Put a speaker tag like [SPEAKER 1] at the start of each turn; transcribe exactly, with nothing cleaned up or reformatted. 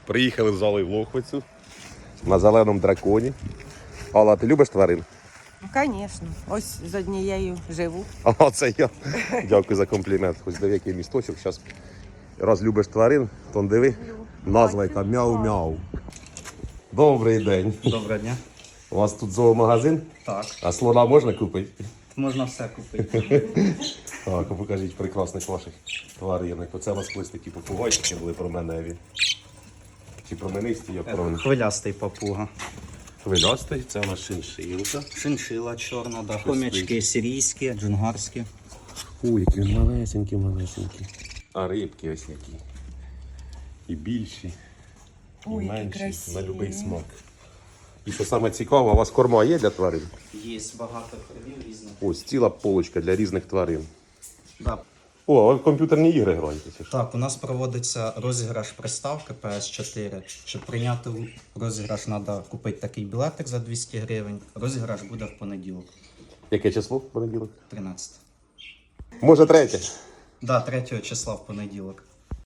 [SPEAKER 1] Приїхали з Аллою в Лохвицю на зеленому драконі. Алла, ти любиш тварин?
[SPEAKER 2] Ну, звісно. Ось з однією живу.
[SPEAKER 1] А це я. Дякую за комплімент. Хоч диви, який місточок. Зараз раз любиш тварин, то диви. Назва яка мяу-мяу. Добрий день.
[SPEAKER 3] Доброго дня.
[SPEAKER 1] У вас тут зоомагазин?
[SPEAKER 3] Так,
[SPEAKER 1] А слона можна купити?
[SPEAKER 3] можна все купити.
[SPEAKER 1] Так, покажіть прекрасних ваших тваринок. Оце у вас колись такі попугайчики були променеві. Чи променисті, як правильно?
[SPEAKER 3] Хвилястий папуга.
[SPEAKER 1] Хвилястий, це у нас шиншилка.
[SPEAKER 3] Шиншила чорна, да. Хомячки сирійські, джунгарські.
[SPEAKER 1] Ой, які він малесенькі, малесенькі. А рибки ось які. І більші, і
[SPEAKER 2] Ой, які
[SPEAKER 1] менші,
[SPEAKER 2] красиві.
[SPEAKER 1] на будь-який смак. І що саме цікаво, у вас корма є для тварин?
[SPEAKER 3] Є багато кормів різних.
[SPEAKER 1] Ось ціла полочка для різних тварин.
[SPEAKER 3] Да.
[SPEAKER 1] О, а ви в комп'ютерні ігри граєте? Чи що?
[SPEAKER 3] Так, у нас проводиться розіграш приставки пі ес чотири. Щоб прийняти розіграш, треба купити такий білетик за двісті гривень. Розіграш буде в понеділок,
[SPEAKER 1] Яке число в понеділок?
[SPEAKER 3] тринадцяте.
[SPEAKER 1] Може третє?
[SPEAKER 3] Да, третього числа в понеділок.